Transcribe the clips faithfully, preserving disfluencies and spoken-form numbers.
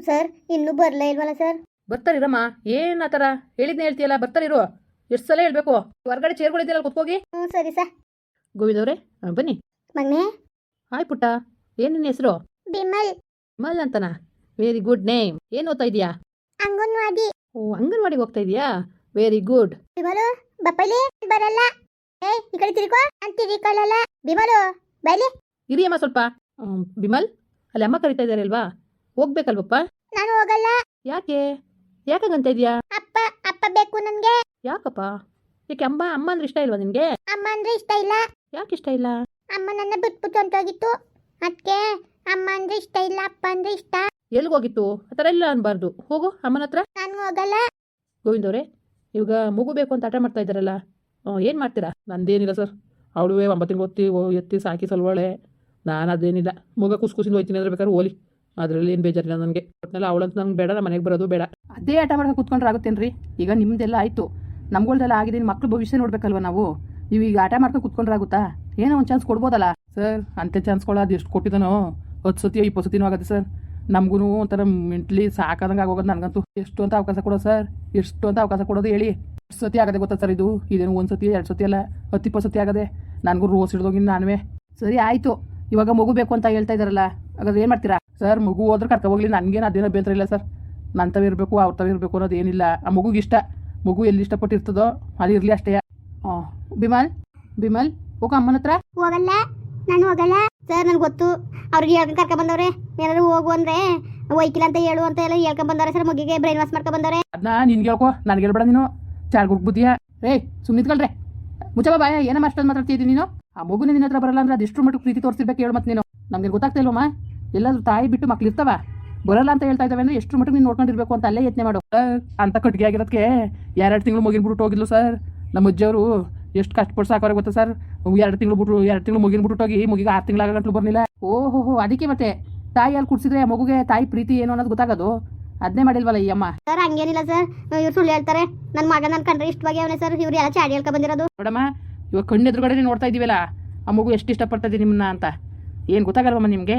Sir ಇನ್ನೂ ಬರಲೇ ಇಲ್ವಲ್ಲ ಸರ್? ಬರ್ತಾರಿರಮ್ಮ, ಏನು ಆ ಥರ ಹೇಳಿದ್ನ ಹೇಳ್ತೀಯಲ್ಲ, ಬರ್ತಾರಿರು. ಎಷ್ಟು ಸಲ ಹೇಳ್ಬೇಕು? ಹೊರಗಡೆ ಚೇರ್ಗಳಿದ್ದೀರಲ್ಲ, ಕುತ್ಕೋಗಿ. ಹ್ಞೂ ಸರಿ ಸರ್. ಗೋವಿಂದವ್ರೆ ಬನ್ನಿ. ಮಗನೇ. ಹಾಯ್ ಪುಟ್ಟ, ಏನು ನಿನ್ನ ಹೆಸರು? ಬಿಮಲ್. ಬಿಮಲ್ ಅಂತನಾ? Very good name. ಏನು ಓದ್ತಾ ಇದೀಯಾ? ಅಂಗನವಾಡಿ. ಓ, ಅಂಗನವಾಡಿಗೆ ಹೋಗ್ತಾ ಇದೀಯಾ? Very good. ಬಿಮಲು ಬಪ್ಪಲಿ ಬರಲ್ಲ. ಏಯ್ ಈ ಕಡೆ ತಿರ್ಕೋ. ನಾನು ತಿರ್ಕೊಳ್ಳಲ್ಲ. ಬಿಮಲು ಬೈಲಿ. ಇರಿಯಮ್ಮ ಸ್ವಲ್ಪ. ಹ್ಮ್, ಬಿಮಲ್, ಅಲ್ಲಿ ಅಮ್ಮ ಕರಿತಾ ಇದ್ದಾರೆ ಅಲ್ವಾ, ಹೋಗ್ಬೇಕಲ್ವಪ್ಪ? ನಾನು ಹೋಗಲ್ಲ. ಯಾಕೆ? ಯಾಕಾಗಂತ ಇದೆಯಾ? ಅಪ್ಪ ಅಪ್ಪ ಬೇಕು ನನಗೆ. ಯಾಕಪ್ಪ? ಯಾಕೆ ಅಮ್ಮ ಅಮ್ಮ ಅಂದ್ರೆ ಇಷ್ಟ ಇಲ್ವಾ ನಿನಗೆ? ಅಮ್ಮ ಅಂದ್ರೆ ಇಷ್ಟ ಇಲ್ಲ. ಯಾಕೆ ಇಷ್ಟ ಇಲ್ಲ? ಅಮ್ಮ ನನ್ನ ಬಿಟ್ಬಿಟ್ಟು ಹೊಂಟೋಗಿತ್ತು, ಅದಕ್ಕೆ ಅಮ್ಮ ಅಂದ್ರೆ ಇಷ್ಟ ಇಲ್ಲ, ಅಪ್ಪ ಅಂದ್ರೆ ಇಷ್ಟ. ಎಲ್ಗೋಗಿತ್ತು? ಆ ಥರ ಎಲ್ಲ ಅನ್ಬಾರ್ದು. ಹೋಗು ಅಮ್ಮನ ಹತ್ರ. ನಾನು ಹೋಗಲ್ಲ. ಗೋವಿಂದವ್ರೆ, ಇವಾಗ ಮಗು ಬೇಕು ಅಂತ ಆಟ ಮಾಡ್ತಾ ಇದ್ದಾರಲ್ಲ, ಏನು ಮಾಡ್ತೀರಾ? ನಂದೇನಿಲ್ಲ ಸರ್, ಅವಳುವೆ ಒಂಬತ್ತು ತಿಂಗಳು ಒತ್ತಿ ಎತ್ತಿ ಸಾಕಿ ಸಲ್ವಾಳೆ. ನಾನು ಅದೇನಿಲ್ಲ, ಮಗ ಕುಸ್ ಕುಸಿಂದ ಹೋಯ್ತೀನಿ ಅಂದ್ರೆ ಬೇಕಾದ್ರೆ ಹೋಲಿ, ಅದರಲ್ಲಿ ಏನು ಬೇಜಾರಿಲ್ಲ ನನಗೆ. ಒಟ್ಟಿನಲ್ಲಿ ಅವಳಂತ ನಂಗೆ ಬೇಡ, ನಮ್ಮ ಮನೆಗೆ ಬರೋದು ಬೇಡ. ಅದೇ ಆಟ ಮಾಡ್ಕೊಂಡು ಕೂತ್ಕೊಂಡ್ರೆ ಆಗುತ್ತೇನ್ರಿ? ಈಗ ನಿಮ್ಮದೆಲ್ಲ ಆಯಿತು, ನಮ್ಗಳ್ದೆಲ್ಲ ಆಗಿದೆ. ಮಕ್ಳು ಭವಿಷ್ಯ ನೋಡ್ಬೇಕಲ್ವ ನಾವು. ನೀವು ಈಗ ಆಟ ಮಾಡ್ಕೊಂಡು ಕೂತ್ಕೊಂಡ್ರೆ ಆಗುತ್ತಾ? ಏನೋ ಒಂದು ಚಾನ್ಸ್ ಕೊಡ್ಬೋದಲ್ಲ ಸರ್. ಅಂತೆ ಚಾನ್ಸ್ ಕೊಡೋದು ಎಷ್ಟು ಕೊಟ್ಟಿದ್ದಾನೋ, ಹತ್ತು ಸತಿ ಇಪ್ಪತ್ತು ಸತಿನೂ ಆಗುತ್ತೆ ಸರ್. ನಮಗೂ ಒಂಥರ ಮೆಂಟ್ಲಿ ಸಾಕಾದಂಗೆ ಆಗೋಗೋದು ನನಗಂತೂ. ಎಷ್ಟು ಅಂತ ಅವಕಾಶ ಕೊಡೋದು ಸರ್? ಎಷ್ಟು ಅಂತ ಅವಕಾಶ ಕೊಡೋದು ಹೇಳಿ? ಎಷ್ಟು ಸತಿ ಆಗದೆ ಗೊತ್ತಾ ಸರ್ ಇದು? ಇದೇನು ಒಂದು ಸತಿ ಎರಡು ಸತಿ ಅಲ್ಲ, ಹತ್ತು ಇಪ್ಪತ್ತು ಸತಿ ಆಗದೆ. ನನಗೂ ರೋಸ್ ಹಿಡ್ದೋಗಿ ನಾನುವೇ. ಸರಿ ಆಯಿತು, ಇವಾಗ ಮಗು ಬೇಕು ಅಂತ ಹೇಳ್ತಾ ಇದ್ದಾರಲ್ಲ, ಹಾಗಾದ್ರೆ ಏನು ಮಾಡ್ತೀರಾ ಸರ್? ಮಗು ಹೋದ್ರೆ ಕರ್ಕೊ ಹೋಗ್ಲಿ, ನನಗೇನು ಅದೇನೋ ಬೇಂತರ ಇಲ್ಲ ಸರ್. ನನ್ನ ತಾವು ಇರಬೇಕು, ಅವ್ರ ತಾವು ಇರಬೇಕು ಅನ್ನೋದು ಏನಿಲ್ಲ. ಆ ಮಗುಗೆ ಇಷ್ಟ, ಮಗು ಎಲ್ಲಿ ಇಷ್ಟಪಟ್ಟಿರ್ತದೋ ಅಲ್ಲಿ ಇರಲಿ ಅಷ್ಟೇ. ಹಾಂ ಬಿಮಲ್, ಬಿಮಲ್ ಹೋಗ ಅಮ್ಮನ ಹತ್ರ. ಹೋಗಲ್ಲ, ನಾನು ಹೋಗಲ್ಲ ಸರ್. ನನಗೆ ಗೊತ್ತು, ಅವ್ರಿಗೆ ಹೇಳ್ಕೊಂಡು ಕರ್ಕೊಂಡ್ ಬಂದವ್ರೆ. ಏನಾದ್ರು ಹೋಗು ಅಂದ್ರೆ ಒಯ್ಕಿಲ್ಲ ಅಂತ ಹೇಳು ಅಂತ ಎಲ್ಲ ಹೇಳ್ಕೊಂಡ್ ಬಂದವ್ರೆ ಸರ್. ಮಗಿಗೆ ಬ್ರೈನ್ ವಾಶ್ ಮಾಡ್ಕೊಂಡ್ ಬಂದವ್ರೆ. ಅದನ್ನ ನಿನ್ಗೆ ಹೇಳ್ಕೊ, ನನಗೆ ಹೇಳ್ಬೇಡ ನೀನು. ಚಾರ್ ಗುಡ್ಬುದ್ದಿಯಾ? ಏಯ್ ಸುಮ್ಮನೆ ನಿಂತ್ಕೊಳ್ರೆ, ಮುಚ್ಚಬ ಬಾಯ. ಏನಮ್ಮ ಅಷ್ಟೊಂದು ಮಾತಾಡ್ತಿದ್ದೀನಿ ನೀನು? ಆ ಮಗುನ ನಿನ್ನ ಹತ್ರ ಬರಲ್ಲ ಅಂದ್ರೆ ಅದೆಷ್ಟು ಮಟ್ಟಿಗೆ ಪ್ರೀತಿ ತೋರಿಸಿರ್ಬೇಕು ಹೇಳು. ಮತ್ತೆ ನೀನು ನಮ್ಗೆ ಗೊತ್ತಾಗ್ತಾ ಇಲ್ವಮ್ಮ? ಎಲ್ಲಾದ್ರೂ ತಾಯಿ ಬಿಟ್ಟು ಮಕ್ಳು ಇರ್ತಾವ, ಬರಲ್ಲ ಅಂತ ಹೇಳ್ತಾ ಇದ್ದಾವೆ ಅಂದ್ರೆ ಎಷ್ಟು ಮಟ್ಟಿಗೆ ನೀನು ನೋಡ್ಕೊಂಡಿರ್ಬೇಕು ಅಂತ ಅಲ್ಲೇ ಯತ್ನೆ ಮಾಡು. ಅಂತ ಕಟ್ಟಿಗೆ ಆಗಿರೋದಕ್ಕೆ ಎರಡು ತಿಂಗಳು ಮುಗಿನ ಬಿಟ್ಟು ಹೋಗಿದ್ಲು ಸರ್. ನಮ್ಮ ಅಜ್ಜಿಯವರು ಎಷ್ಟು ಕಷ್ಟಪಟ್ಟು ಸಾಕೋರೆ ಗೊತ್ತಾ ಸರ್? ಎರಡು ತಿಂಗಳು ಬಿಟ್ಟು ಎರಡು ತಿಂಗಳು ಮುಗಿನ ಬಿಟ್ಟು ಹೋಗಿ ಮುಗಿಗೆ ಆರು ತಿಂಗಳು ಆಗಂಟ್ಲು ಬರಲಿಲ್ಲ. ಓಹೋ ಹೋ, ಅದಕ್ಕೆ ಮತ್ತೆ ತಾಯಿ ಅಲ್ಲಿ ಕುಡಿಸಿದ್ರೆ ಮಗುಗೆ ತಾಯಿ ಪ್ರೀತಿ ಏನು ಅನ್ನೋದು ಗೊತ್ತಾಗೋದು. ಅದನ್ನೇ ಮಾಡಿಲ್ವಲ್ಲ ಈ ಅಮ್ಮ. ಸರ್ ಹಂಗೇನಿಲ್ಲ ಸರ್, ಇವ್ರು ಸುಳ್ಳು ಹೇಳ್ತಾರೆ. ನನ್ನ ಮಗ ನನ್ನ ಕಂಡ್ರೆ ಇಷ್ಟವಾಗಿ ಅವನೇ ಸರ್. ಇವ್ರು ಎಲ್ಲ ಚಾಡಿ ಹೇಳ್ಕೊಂಡ್ ಬಂದಿರೋದು. ನೋಡಮ್ಮ, ಇವಾಗ ಕಣ್ಣು ಎದುರುಗಡೆ ನೋಡ್ತಾ ಇದೀವಲ್ಲ, ಆ ಮಗು ಎಷ್ಟು ಇಷ್ಟಪಡ್ತಾ ಇದೀನಿ ನಿಮ್ಮನ್ನ ಅಂತ. ಏನು ಗೊತ್ತಾಗಲ್ವಮ್ಮ ನಿಮಗೆ?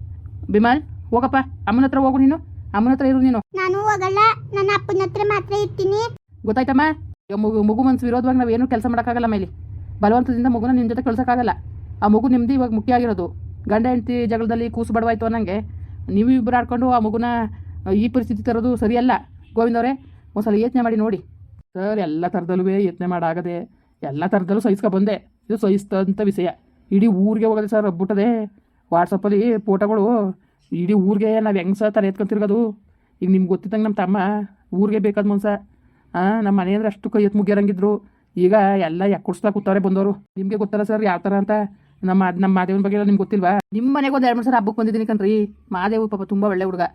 ಬಿಮಲ್ ಹೋಗಪ್ಪ, ಅಮ್ಮನ ಹತ್ರ ಹೋಗು ನೀನು. ಅಮ್ಮನ ಹತ್ರ ಇರು ನೀನು. ನಾನು ಹೋಗಲ್ಲ, ನನ್ನ ಅಪ್ಪನ ಹತ್ರ ಮಾತ್ರ ಇರ್ತೀನಿ. ಗೊತ್ತಾಯ್ತಮ್ಮ? ಈಗ ಮಗು ಮಗು ಮನ್ಸು ವಿರೋಧವಾಗಿ ನಾವು ಏನು ಕೆಲಸ ಮಾಡೋಕ್ಕಾಗಲ್ಲ. ಮೇಲೆ ಬಲವಂತದಿಂದ ಮಗುನ ನಿಮ್ಮ ಜೊತೆ ಕಳ್ಸೋಕ್ಕಾಗಲ್ಲ. ಆ ಮಗು ನಿಮ್ಮದು ಇವಾಗ ಮುಖ್ಯ ಆಗಿರೋದು. ಗಂಡ ಹೆಂಡತಿ ಜಗಳದಲ್ಲಿ ಕೂಸು ಬಡವಾಯ್ತು ಅನ್ನಂಗೆ ನೀವು ಇಬ್ಬರು ಆಡ್ಕೊಂಡು ಆ ಮಗುನ ಈ ಪರಿಸ್ಥಿತಿ ತರೋದು ಸರಿಯಲ್ಲ. ಗೋವಿಂದವ್ರೆ ಒಂದ್ಸಲ ಯೋಚನೆ ಮಾಡಿ ನೋಡಿ ಸರ್. ಎಲ್ಲ ಥರದಲ್ಲೂ ಯೋಚನೆ ಮಾಡಾಗದೆ, ಎಲ್ಲ ಥರದಲ್ಲೂ ಸಹಿಸ್ಕೊ ಬಂದೆ. ಇದು ಸಹಿಸ್ತಂಥ ವಿಷಯ. ಇಡೀ ಊರಿಗೆ ಹೋಗೋದೆ ಸರ್, ಹಬ್ಬಿಟ್ಟದೆ. ವಾಟ್ಸಪ್ಪಲ್ಲಿ ಫೋಟೋಗಳು ಇಡೀ ಊರಿಗೆ ನಾವು ಹೆಂಗೆ ಸರ್ ತಲೆ ಎತ್ಕೊಂತಿರ್ಗೋದು. ಈಗ ನಿಮ್ಗೆ ಗೊತ್ತಿದ್ದಂಗೆ ನಮ್ಮ ತಮ್ಮ ಊರಿಗೆ ಬೇಕಾದ ಮನ್ಸ. ಹಾಂ, ನಮ್ಮ ಮನೆ ಅಂದರೆ ಅಷ್ಟು ಕೈ ಎತ್ತು ಮುಗಿಯರಂಗಿದ್ರು. ಈಗ ಎಲ್ಲ ಯಾಕೆ ಕೂತವ್ರೆ ಬಂದವರು. ನಿಮಗೆ ಗೊತ್ತಲ್ಲ ಸರ್ ಯಾವ ಥರ ಅಂತ. ನಮ್ಮ ನಮ್ಮ ಮಾದೇವನ ಬಗ್ಗೆ ಎಲ್ಲ ನಿಮ್ಗೆ ಗೊತ್ತಿಲ್ವಾ? ನಿಮ್ಮ ಮನೆಗೆ ಒಂದು ಎರಡು ಮೂರು ಸಲ ಹಬ್ಬಕ್ಕೆ ಬಂದಿದ್ದೀನಿ ಕಣ್ರಿ. ಮಾದೇವು ಪಾಪ ತುಂಬ ಒಳ್ಳೆ ಹುಡುಗ.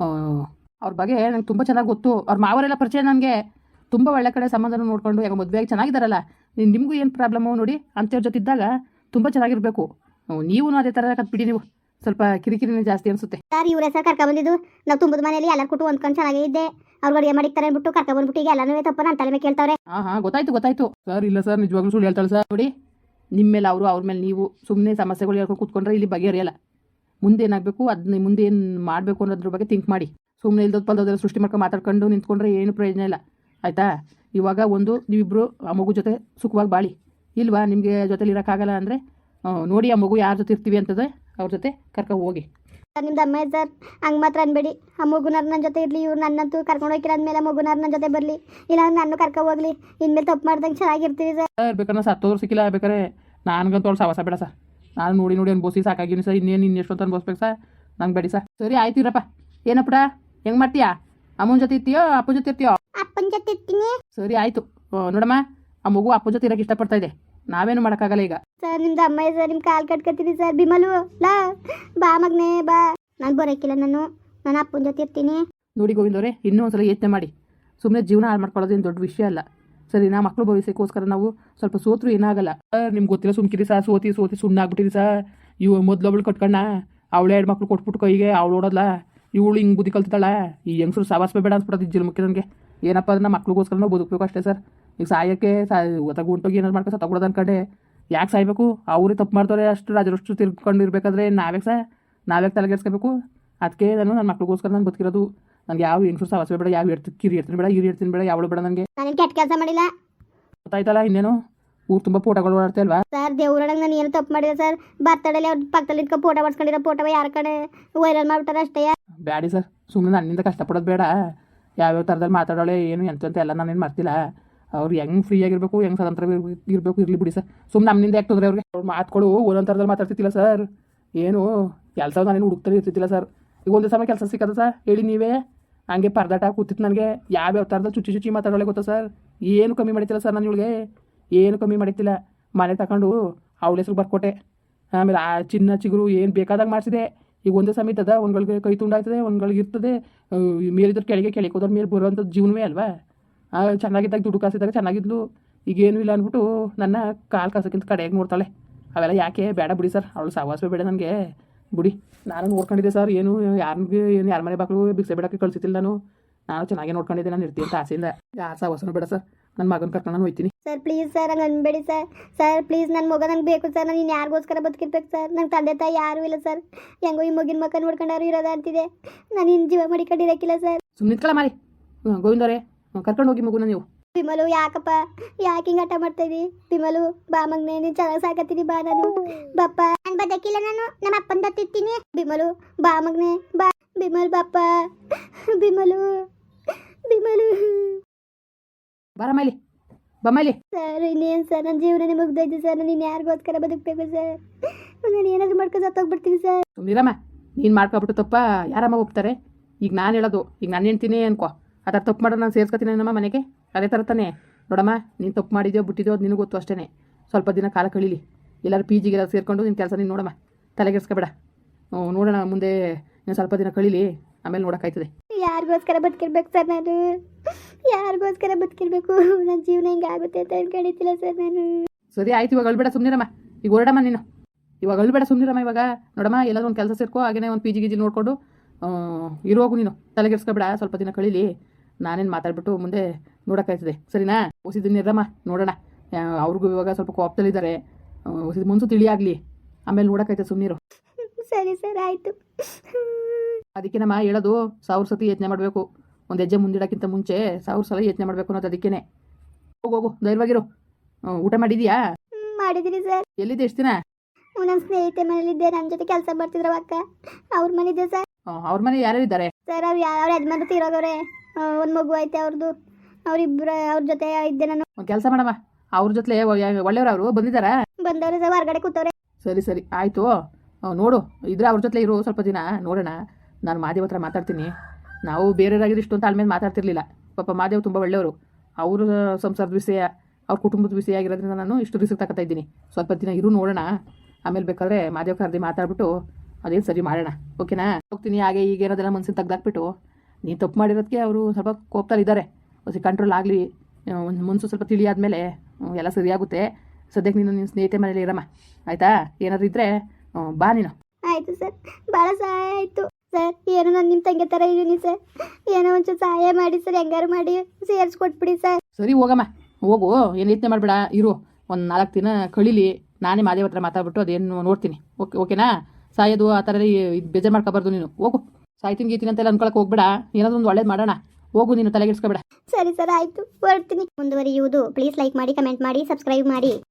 ಅವ್ರ ಬಗ್ಗೆ ನಂಗೆ ತುಂಬ ಚೆನ್ನಾಗಿ ಗೊತ್ತು. ಅವ್ರ ಮಾವರೆಲ್ಲ ಪರಿಚಯ ನನಗೆ. ತುಂಬ ಒಳ್ಳೆ ಕಡೆ ಸಂಬಂಧನ ನೋಡಿಕೊಂಡು ಯಾಕೆ ಮದುವೆಯಾಗಿ ಚೆನ್ನಾಗಿದ್ದಾರಲ್ಲ. ನಿಮಗೂ ಏನು ಪ್ರಾಬ್ಲಮ್ಮು ನೋಡಿ, ಅಂಥವ್ರ ಜೊತೆ ಇದ್ದಾಗ ತುಂಬ ಚೆನ್ನಾಗಿರಬೇಕು. ನೀವು ಅದೇ ಥರ ಕತ್ಬಿಡಿ. ನೀವು ಸ್ವಲ್ಪ ಕಿರಿಕಿರಿನೇ ಜಾಸ್ತಿ ಅನಿಸುತ್ತೆ ಸರ್. ಇವ್ರ ಹೆಸರು ಕರ್ಕೊಂಡ್ ಬಂದಿದ್ದು ನಾವು ತುಂಬದ ಮನೆಯಲ್ಲಿ ಎಲ್ಲರೂ ಕೊಟ್ಟು ಹೊಂದ್ಕೊಂಡು ಚೆನ್ನಾಗೇ ಇದ್ದೆ. ಅವ್ರು ಅಡುಗೆ ಮಾಡಿರ್ತಾರೆ ಅಂದ್ಬಿಟ್ಟು ಕರ್ಕೊಂಡ್ ಬಂದ್ಬಿಟ್ಟು ಈಗ ಎಲ್ಲನೂ ತಪ್ಪ ನನ್ನ ತಲೆ ಮೇಲೆ ಕೇಳ್ತಾವ್ರೆ. ಹಾಂ ಹಾಂ ಗೊತ್ತಾಯ್ತು ಗೊತ್ತಾಯ್ತು ಸರ್. ಇಲ್ಲ ಸರ್, ನಿಜವಾಗ್ಲೂ ಸುಳ್ಳು ಹೇಳ್ತಾಳೆ ಸರ್. ನೋಡಿ, ನಿಮ್ಮ ಮೇಲೆ ಅವರು, ಅವ್ರ ಮೇಲೆ ನೀವು ಸುಮ್ಮನೆ ಸಮಸ್ಯೆಗಳು ಹೇಳ್ಕೊಂಡು ಕೂತ್ಕೊಂಡ್ರೆ ಇಲ್ಲಿ ಬಗೆಹರಿಯಲ್ಲ. ಮುಂದೆ ಏನಾಗಬೇಕು, ಅದನ್ನ ಮುಂದೆ ಏನು ಮಾಡಬೇಕು ಅನ್ನೋದ್ರ ಬಗ್ಗೆ ಥಿಂಕ್ ಮಾಡಿ. ಸುಮ್ಮನೆ ಇಲ್ದೋದು ಪಲ್ದೋದೆಲ್ಲ ಸೃಷ್ಟಿ ಮಾಡ್ಕೊಂಡು ಮಾತಾಡ್ಕೊಂಡು ನಿಂತ್ಕೊಂಡ್ರೆ ಏನು ಪ್ರಯೋಜನ ಇಲ್ಲ, ಆಯಿತಾ? ಇವಾಗ ಒಂದು ನೀವಿಬ್ಬರು ಆ ಮಗು ಜೊತೆ ಸುಖವಾಗಿ ಬಾಳಿ. ಇಲ್ವಾ ನಿಮಗೆ ಜೊತೆಲಿ ಇರೋಕ್ಕಾಗಲ್ಲ ಅಂದರೆ ನೋಡಿ, ಆ ಮಗು ಯಾರ ಜೊತೆ ಇರ್ತೀವಿ ಅಂತದೆ ಅವ್ರ ಜೊತೆ ಕರ್ಕೊ ಹೋಗಿ. ಸರ್ ನಿಮ್ದು ಅಮ್ಮ ಸರ್, ಹಂಗೆ ಮಾತ್ರ ಅನ್ಬೇಡಿ. ಆ ಮಗುನಾರು ನನ್ನ ಜೊತೆ ಇರಲಿ. ಇವ್ರು ನನ್ನಂತೂ ಕರ್ಕೊಂಡು ಹೋಗಿಲ್ಲ ಅಂದಮೇಲೆ ಮಗುನಾರು ನನ್ನ ಜೊತೆ ಬರಲಿ, ಇಲ್ಲ ನಾನು ಕರ್ಕೊ ಹೋಗ್ಲಿ. ಇನ್ಮೇಲೆ ತಪ್ಪು ಮಾಡ್ದಂಗೆ ಚೆನ್ನಾಗಿರ್ತೀವಿ ಸರ್. ಸರ್ ಬೇಕಾದ್ರೆ ಸತ್ತೋದ್ರು ಸಿಕ್ಕಿಲ್ಲ, ಬೇಕಾರೆ ನನಗಂತೂ ಅವ್ಳು ಸವಾಸ ಬೇಡ ಸರ್. ನಾನು ನೋಡಿ ನೋಡಿ ಅನ್ಬೋಸಿ ಸಾಕಾಗಿನಿ ಸರ್. ಇನ್ನೇನು ಇನ್ನೆಷ್ಟು ಅಂತ ಅನ್ಬೋಸ್ಬೇಕು ಸರ್, ನಂಗೆ ಬೇಡಿ ಸರ್. ಸರಿ ಆಯ್ತು ಇರಪ್ಪ. ಏನಪ್ಪಡ ಹೆಂಗೆ ಮಾಡ್ತೀಯಾ? ಅಮ್ಮನ ಜೊತೆ ಇರ್ತೀಯೋ ಅಪ್ಪನ ಜೊತೆ ಇರ್ತೀಯೋ? ಅಪ್ಪನ ಜೊತೆ ಇರ್ತೀನಿ. ಸರಿ ಆಯಿತು. ನೋಡಮ್ಮ, ಆ ಮಗು ಅಪ್ಪನ ಜೊತೆ ಇರೋಕ್ಕೆ ಇಷ್ಟಪಡ್ತಾ ಇದೆ. ನಾವೇನು ಮಾಡೋಕ್ಕಾಗಲ್ಲ ಈಗ. ಸರ್ ನಿಮ್ದು ಅಮ್ಮ ಸರ್, ನಿಮ್ಮ ಕಾಲು ಕಟ್ಕೊತೀನಿ ಸರ್. ಬಿಮಲು ಲಾ ಬಾ ಮಗನೇ ಬಾ. ನಾನು ಬರೋಕ್ಕಿಲ್ಲ, ನಾನು ನಾನು ಅಪ್ಪನ ಜೊತೆ ಇರ್ತೀನಿ. ನೋಡಿ ಗೋವಿಂದವ್ರೆ, ಇನ್ನೂ ಒಂದ್ಸಲ ಯೋಚನೆ ಮಾಡಿ. ಸುಮ್ಮನೆ ಜೀವನ ಹಾಳು ಮಾಡ್ಕೊಳ್ಳೋದೇನು ದೊಡ್ಡ ವಿಷಯ ಅಲ್ಲ ಸರಿ. ನಾ ಮಕ್ಕಳು ಭವಿಷ್ಯಕ್ಕೋಸ್ಕರ ನಾವು ಸ್ವಲ್ಪ ಸೋತ್ರು ಏನಾಗಲ್ಲ ಸರ್. ನಿಮ್ಗೆ ಗೊತ್ತಿಲ್ಲ, ಸುಮ್ಕಿರಿ ಸರ್. ಸೋತಿ ಸೋತಿ ಸುಮ್ಮನೆ ಆಗ್ಬಿಟ್ಟಿರಿ ಸರ್. ಇವು ಮೊದಲೊಬ್ಳು ಕಟ್ಕಣ್ಣ, ಅವಳೇ ಎರಡು ಮಕ್ಳು ಕೊಟ್ಬಿಟ್ಟು ಕೈಗೆ ಅವಳು ಓಡೋದ್ಲ. ಇವಳು ಹಿಂಗೆ ಬುದ್ಧಿ ಕಲ್ತಿದ್ದಾಳ. ಈ ಹೆಂಗಸರು ಸಾವಾಸ ಬೇಡ ಅನ್ಸ್ಬಿಡೋದು ಇಜ್ಜಲ್ ಮುಖ್ಯ ನನಗೆ. ಏನಪ್ಪ ಅದನ್ನ ಮಕ್ಳಿಗೋಸ್ಕರ ನಾವು ಬದುಕಬೇಕು ಅಷ್ಟೇ ಸರ್. ಈಗ ಸಾಯಕ್ಕೆ ಸಾ ಒತ್ತಗ ಹೊಂಟೋಗಿ ಏನಾರು ಮಾಡ್ಕೊ ಸತ್ತಗೊಡೋದು ಅನ್ಕಂಡೆ ಯಾಕೆ ಸಾಯ್ಬೇಕು? ಅವರೇ ತಪ್ಪು ಮಾಡ್ತಾರೆ. ಅಷ್ಟು ರಾಜರಷ್ಟು ತಿರ್ಕೊಂಡು ಇರಬೇಕಾದ್ರೆ ನಾವ್ಯಾಕೆ ಸರ್ ನಾವ್ಯಾಕೆ ತಲೆಗೆಡ್ಸ್ಕೋಬೇಕು? ಅದಕ್ಕೆ ನಾನು ನನ್ನ ಮಕ್ಳಿಗೋಸ್ಕರ ನಾನು ಬದುಕಿರೋದು. ನನಗೆ ಯಾವ ಹೆಂಗಸರು ಸಾವಸ ಬೇಡ, ಯಾವ ಇರ್ತೀನಿ ಕಿರಿ ಇರ್ತೀನಿ ಬೇಡ, ಇರಿ ಇರ್ತೀನಿ ಬೇಡ, ಯಾವಳು ಬೇಡ ನನಗೆ. ನಾನೇನು ಕೆಟ್ಟ ಕೆಲಸ ಮಾಡಿಲ್ಲ ಗೊತ್ತಾಯ್ತಲ್ಲ. ಇನ್ನೇನು ಊರು ತುಂಬ ಫೋಟೋಗಳು ಓಡಾಡ್ತಾ ಅಲ್ವಾ? ಸರ್. ದೇವ್ರೊಳಗೆ ನಾನು ಏನು ತಪ್ಪು ಮಾಡಿಲ್ಲ ಸರ್. ಬರ್ತಡೇಲಿ ಅವ್ರ ಪಕ್ಕದಲ್ಲಿ ಇಟ್ಕೊ ಫೋಟೋ ಬರ್ಸ್ಕೊಂಡಿರೋ ಫೋಟೋ ಯಾರ ಕಡೆ ವೈರಲ್ ಮಾಡ್ಬಿಟ್ಟಾರೆ ಅಷ್ಟೇ. ಬ್ಯಾಡಿ ಸರ್, ಸುಮ್ಮನೆ ನನ್ನಿಂದ ಕಷ್ಟಪಡೋದು ಬೇಡ. ಯಾವ್ಯಾವ ಥರದಲ್ಲಿ ಮಾತಾಡೋಳೆ ಏನು ಎಂತ ಅಂತ ಎಲ್ಲ ನಾನೇನು ಮಾಡ್ತಿಲ್ಲ. ಅವ್ರು ಹೆಂಗೆ ಫ್ರೀ ಆಗಿರಬೇಕು, ಹೆಂಗೆ ಸ್ವತಂತ್ರ ಇರಬೇಕು, ಇರಲಿ ಬಿಡಿ ಸರ್. ಸುಮ್ಮನೆ ನಮ್ಮಿಂದ ಯಾಕೆ ತೊಂದರೆ ಅವ್ರಿಗೆ? ಅವ್ರು ಮಾತುಗಳು ಒಂದೊಂದು ಥರದಲ್ಲಿ ಮಾತಾಡ್ತಿಲ್ಲ ಸರ್. ಏನು ಕೆಲಸ ನಾನೇನು ಹುಡುಕ್ತಾರೆ ಇರ್ತಿದ್ದಿಲ್ಲ ಸರ್. ಈಗ ಒಂದೇ ಸಮಯ ಕೆಲಸ ಸಿಕ್ಕದ ಸರ್ ಹೇಳಿ ನೀವೇ. ಹಂಗೆ ಪರದಾಟ ಕೂತಿತ್ತು ನನಗೆ. ಯಾವ್ಯಾವ ಥರದಲ್ಲಿ ಚುಚ್ಚಿ ಚುಚ್ಚಿ ಮಾತಾಡೋಳೆ ಗೊತ್ತಾ ಸರ್? ಏನು ಕಮ್ಮಿ ಮಾಡಿತಿಲ್ಲ ಸರ್ ನಾನು ಇವಳಿಗೆ, ಏನು ಕಮ್ಮಿ ಮಾಡಿತಿಲ್ಲ. ಮನೆ ತಗೊಂಡು ಅವಳ ಹೆಸ್ರು ಬರ್ಕೊಟ್ಟೆ. ಆಮೇಲೆ ಆ ಚಿನ್ನ ಚಿಗುರು ಏನು ಬೇಕಾದಾಗ ಮಾಡಿಸಿದೆ. ಈಗ ಒಂದೇ ಸಮೇತ ಅದ ಒಂದ್ಗಳಿಗೆ ಕೈ ತುಂಡಾಯ್ತದೆ, ಒಂದ್ಗಳಿಗೆ ಇರ್ತದೆ. ಮೇಲಿದ್ರೆ ಕೆಳಗೆ ಕೆಳಗೆ ಹೋದ್ರ ಮೇಲೆ ಬರುವಂಥದ್ದು ಜೀವನವೇ ಅಲ್ವಾ? ಚೆನ್ನಾಗಿದ್ದಾಗ ದುಡ್ಡು ಕಾಸಿದ್ದಾಗ ಚೆನ್ನಾಗಿದ್ಲು. ಈಗೇನು ಇಲ್ಲ ಅಂದ್ಬಿಟ್ಟು ನನ್ನ ಕಾಲು ಕಾಸಕ್ಕಿಂತ ಕಡೆಯಾಗಿ ನೋಡ್ತಾಳೆ. ಅವೆಲ್ಲ ಯಾಕೆ ಬೇಡ ಬಿಡಿ ಸರ್. ಅವಳು ಸಹವಾಸವೇ ಬೇಡ ನನಗೆ ಬಿಡಿ. ನಾನು ನೋಡ್ಕೊಂಡಿದ್ದೆ ಸರ್. ಏನು ಯಾರಿಗೆ ಏನು ಯಾರ ಮನೆ ಬಾಕ್ಳು ಬಿಕ್ಸೆ ಬೇಡಕ್ಕೆ ಕಳಿಸಿತಿಲ್ಲ ನಾನು. ನಾನು ಚೆನ್ನಾಗೇ ನೋಡ್ಕೊಂಡಿದ್ದೆ. ನಾನು ಇರ್ತೀನಿ ಅಂತ ಆಸೆಯಿಂದ. ಯಾರು ಸಹವಾಸನೂ ಬೇಡ ಸರ್. ನನ್ನ ಮಗನ ಕರ್ಕೊಂಡು ನಾನು ಹೋಗ್ತೀನಿ ಸರ್. ಪ್ಲೀಸ್ ಸರ್, ಹಂಗೆ ಅನ್ಬೇಡಿ ಸರ್. ಸರ್ ಪ್ಲೀಸ್, ನನ್ನ ಮಗ ನಂಗೆ ಬೇಕು ಸರ್. ನಾನು ಇನ್ನು ಯಾರಿಗೋಸ್ಕರ ಬದುಕಿರ್ಬೇಕು ಸರ್? ನನ್ನ ತಂದೆ ತಾಯಿ ಯಾರೂ ಇಲ್ಲ ಸರ್. ಹೆಂಗೋ ಈ ಮಗಿನ ಮಕ್ಕ ನೋಡ್ಕೊಂಡವ್ರು ಇರೋದ ಅಂತಿದೆ. ನಾನು ಇನ್ನು ಜೀವ ಮಡಿಕೊಂಡಿರಕ್ಕಿಲ್ಲ ಸರ್. ಸುಮ್ಮನೆ ನಿಂತ್ಕೊಳ್ಳ ಮಾರಿ. ಹ್ಞೂ ಗೋವಿಂದರೇ, ಕರ್ಕೊಂಡು ಹೋಗಿ ಮಗುನ ನೀವು. ಬಿಮಲು ಯಾಕಪ್ಪ ಯಾಕೆ ಹಿಂಗೆ ಆಟ ಮಾಡ್ತಾ ಇದ್ದಿ? ಬಿಮಲು ಬಾ ಮಗನೇ, ನೀನು ಚೆನ್ನಾಗಿ ಸಾಕತ್ತೀನಿ ಬಾ. ನಾನು ಬಪ್ಪ ನಾನು ಬದಕಿಲ್ಲ, ನಾನು ನಮ್ಮ ಅಪ್ಪನ ದತ್ತಿರ್ತೀನಿ. ಬಿಮಲು ಬಾ ಮಗನೇ ಬಾ. ಬಿಮಲ್ ಬಾಪ್ಪ, ಬಿಮಲು ಬಿಮಲು ಬಾರ ಮೈಲಿ, ಬಮ್ಮೈಲಿ. ಸರ್ ಇನ್ನೇನು ಸರ್, ನನ್ನ ಜೀವನನೇ ಮುಗ್ದೈತೆ ಸರ್. ನಾನು ಇನ್ನು ಯಾರಿಗೋಸ್ಕರ ಬದುಕಬೇಕು ಸರ್? ನಾನು ಏನಾದರೂ ಮಾಡ್ಕೊಂಡು ಸತ್ತೋಗ್ಬಿಡ್ತೀನಿ ಸರ್. ಸುಮ್ಮನಿರಮ್ಮ. ನೀನು ಮಾಡ್ಕೊಬಿಟ್ಟು ತಪ್ಪ ಯಾರಮ್ಮ ಒಪ್ತಾರೆ? ಈಗ ನಾನು ಹೇಳೋದು, ಈಗ ನಾನು ಹೇಳ್ತೀನಿ ಅನ್ಕೋ, ಆ ಥರ ತಪ್ಪು ಮಾಡೋದು ನಾನು ಸೇರ್ಸ್ಕೊತೀನಿ ನಮ್ಮ ಮನೆಗೆ. ಅದೇ ಥರ ತಾನೇ ನೋಡಮ್ಮ. ನೀನು ತಪ್ಪು ಮಾಡಿದ್ಯೋ ಬಿಟ್ಟಿದ್ಯೋ ಅದು ನಿನಗೆ ಗೊತ್ತು ಅಷ್ಟೇ. ಸ್ವಲ್ಪ ದಿನ ಕಾಲ ಕಳೀಲಿ. ಎಲ್ಲರೂ ಪಿ ಜಿಗೆಲ್ಲ ಸೇರಿಕೊಂಡು ನಿನ್ನ ಕೆಲಸ ನೀನು ನೋಡಮ್ಮ. ತಲೆಗೆಡ್ಸ್ಕೊಬೇಡ. ನೋಡೋಣ ಮುಂದೆ ನೀನು ಸ್ವಲ್ಪ ದಿನ ಕಳೀಲಿ, ಆಮೇಲೆ ನೋಡೋಕ್ಕಾಯ್ತದೆ. ಯಾರಿಗೋಸ್ಕರ ಬದುಕಿರ್ಬೇಕು ಸರ್? ನಾನು ಯಾರಿಗೋಸ್ಕರ ಬದುಕಿರ್ಬೇಕು? ನನ್ನ ಜೀವನ ಹಿಂಗೆ ಆಗುತ್ತೆ ಅಂತ ಅನ್ಕೊಂಡಿದ್ದಿಲ್ಲ ಸರ್ ನಾನು. ಸರಿ ಆಯ್ತು, ಇವಾಗ ಅಳ್ಬೇಡ ಸುಮ್ಮನಿರಮ್ಮ. ಈಗ ಹೊರಡಮ್ಮ ನೀನು. ಇವಾಗ ಅಳ್ಬೇಡ ಸುಮ್ಮನಿರಮ್ಮ. ಇವಾಗ ನೋಡಮ್ಮ, ಎಲ್ಲಾದ್ರೂ ಒಂದು ಕೆಲಸ ಸೇರ್ಕೋ. ಹಾಗೇ ಒಂದು ಪಿ ಜಿ ಗಿಜಿ ನೋಡಿಕೊಂಡು ಇರೋಗು ನೀನು. ತಲೆಗೆಡ್ಸ್ಕೊಬೇಡ, ಸ್ವಲ್ಪ ದಿನ ಕಳೀಲಿ. ನಾನೇನು ಮಾತಾಡ್ಬಿಟ್ಟು ಮುಂದೆ ನೋಡೋಕ್ಕಾಯ್ತದೆ, ಸರಿನಾ? ಹೊಸಿದಿನಿರಮ್ಮ, ನೋಡೋಣ. ಅವ್ರಿಗೂ ಇವಾಗ ಸ್ವಲ್ಪ ಕೋಪದಲ್ಲಿದ್ದಾರೆ. ಹೊಸಿದ ಮುನ್ಸು ತಿಳಿಯಾಗಲಿ, ಆಮೇಲೆ ನೋಡೋಕ್ಕಾಯ್ತದೆ. ಸುಮ್ಮನಿರು. ಸರಿ ಸರ್, ಆಯಿತು. ಅದಕ್ಕೆ ನಮ್ಮ ಹೇಳೋದು, ಸಾವಿರ ಸತಿ ಯೋಚನೆ ಮಾಡಬೇಕು. ಒಂದು ಹೆಜ್ಜೆ ಮುಂದಿಡೋಕ್ಕಿಂತ ಮುಂಚೆ ಸಾವಿರ ಸಲ ಯೋಚನೆ ಮಾಡಬೇಕು ಅನ್ನೋದು. ಅದಕ್ಕೇ ಹೋಗು ಹೋಗು, ಧೈರ್ಯವಾಗಿರು. ಊಟ ಮಾಡಿದೀಯಾ? ಮಾಡಿದ್ದೀನಿ ಸರ್. ಎಲ್ಲಿದ್ದೆ ಎಷ್ಟು ದಿನ? ನನ್ನ ಸ್ನೇಹಿತೆ ಮನೇಲಿದ್ದೆ. ನನ್ನ ಜೊತೆ ಕೆಲಸ ಮಾಡ್ತಿದ್ರು ಅಕ್ಕ, ಅವ್ರ ಮನೇಲಿದ್ದೆ ಸರ್. ಅವ್ರ ಮನೆ ಯಾರ್ಯಾರು ಇದ್ದಾರೆ ಸರ್? ಅವ್ರು ಯಾವ ಯಜಮಾನ್ರು ತೀರೋಗವ್ರೆ. ಒಂದು ಮಗು ಐತೆ ಅವ್ರದ್ದು. ಅವ್ರಿಬ್ರು ಅವ್ರ ಜೊತೆ ಇದ್ದೆ ನಾನು. ಒಂದು ಕೆಲಸ ಮಾಡಮ್ಮ, ಅವ್ರ ಜೊತೆ ಒಳ್ಳೆಯವ್ರು ಅವರು ಬಂದಿದ್ದಾರಾ? ಬಂದವ್ರು ಸರ್, ಹೊರಗಡೆ ಕೂತವ್ರೆ. ಸರಿ ಸರಿ ಆಯಿತು. ನೋಡು, ಇದ್ರೆ ಅವ್ರ ಜೊತೆ ಇರು ಸ್ವಲ್ಪ ದಿನ, ನೋಡೋಣ. ನಾನು ಮಾದೇವ್ ಹತ್ರ ಮಾತಾಡ್ತೀನಿ. ನಾವು ಬೇರೆಯವರಾಗಿದ್ದು ಇಷ್ಟು ಅಂತ ಆಲ್ಮೇಲೆ ಮಾತಾಡ್ತಿರ್ಲಿಲ್ಲ. ಪಾಪ ಮಾದೇವ್ ತುಂಬ ಒಳ್ಳೆಯವರು. ಅವ್ರ ಸಂಸಾರದ ವಿಷಯ, ಅವ್ರ ಕುಟುಂಬದ ವಿಷಯ ಆಗಿರೋದ್ರಿಂದ ನಾನು ಇಷ್ಟು ರಿಸ್ಕ್ ತಗೋತಾ ಇದ್ದೀನಿ. ಸ್ವಲ್ಪ ದಿನ ಇರು, ನೋಡೋಣ. ಆಮೇಲೆ ಬೇಕಾದ್ರೆ ಮಾದೇವ್ ಕರ್ದಿ ಮಾತಾಡ್ಬಿಟ್ಟು ಅದೇನು ಸರಿ ಮಾಡೋಣ. ಓಕೆನಾ? ಹೋಗ್ತೀನಿ. ಹಾಗೆ ಈಗ ಏನಾದೆಲ್ಲ ಮನ್ಸಿನ ತೆಗ್ದಾಕ್ಬಿಟ್ಟು, ನೀನು ತಪ್ಪು ಮಾಡಿರೋದಕ್ಕೆ ಅವರು ಸ್ವಲ್ಪ ಕೋಪದಲ್ಲಿದ್ದಾರೆ. ಹೊಸ ಕಂಟ್ರೋಲ್ ಆಗಲಿ, ಒಂದು ಮುನ್ಸು ಸ್ವಲ್ಪ ತಿಳಿಯಾದ್ಮೇಲೆ ಎಲ್ಲ ಸರಿಯಾಗುತ್ತೆ. ಸದ್ಯಕ್ಕೆ ನೀನು ನಿನ್ನ ಸ್ನೇಹಿತೆ ಮನೇಲಿ ಇರಮ್ಮ, ಆಯಿತಾ? ಏನಾದರೂ ಇದ್ದರೆ ಬಾ ನೀನು. ಆಯಿತು ಸರ್, ಭಾಳ ಸಹಾಯ ಆಯಿತು ಸರ್. ಏನೋ ನಾನು ನಿಮ್ಮ ತಂಗಿ ಥರ ಇದ್ದೀನಿ ಸರ್. ಏನೋ ಒಂಚೂರು ಸಹಾಯ ಮಾಡಿ ಸರ್, ಹೆಂಗಾರು ಮಾಡಿ ಸೇರಿಸ್ಕೊಟ್ಬಿಡಿ ಸರ್. ಸರಿ ಹೋಗಮ್ಮ, ಹೋಗು. ಏನು ಯೋಚನೆ ಮಾಡಬೇಡ, ಇರು. ಒಂದು ನಾಲ್ಕು ದಿನ ಕಳೀಲಿ. ನಾನೇ ಮಾದೇವ್ ಹತ್ರ ಮಾತಾಡ್ಬಿಟ್ಟು ಅದೇನು ನೋಡ್ತೀನಿ. ಓಕೆ ಓಕೆನಾ? ಸಾಯೋದು ಆ ಥರ ಇದು ಬೇಜಾರು ಮಾಡ್ಕೋಬಾರ್ದು ನೀನು. ಹೋಗು. ಸಾಯ್ತೀನಿ ಗೀತೀನಿ ಅಂತೆಲ್ಲ ಅನ್ಕೊಳಕ್ಕೆ ಹೋಗ್ಬೇಡ. ಏನಾದರೂ ಒಂದು ಒಳ್ಳೇದು ಮಾಡೋಣ. ಹೋಗು ನೀನು, ತಲೆಗೆಡ್ಸ್ಕೊಬೇಡ. ಸರಿ ಸರ್, ಆಯಿತು, ಹೊರಡ್ತೀನಿ. ಮುಂದುವರಿಯುವುದು. ಪ್ಲೀಸ್ ಲೈಕ್ ಮಾಡಿ, ಕಮೆಂಟ್ ಮಾಡಿ, ಸಬ್ಸ್ಕ್ರೈಬ್ ಮಾಡಿ.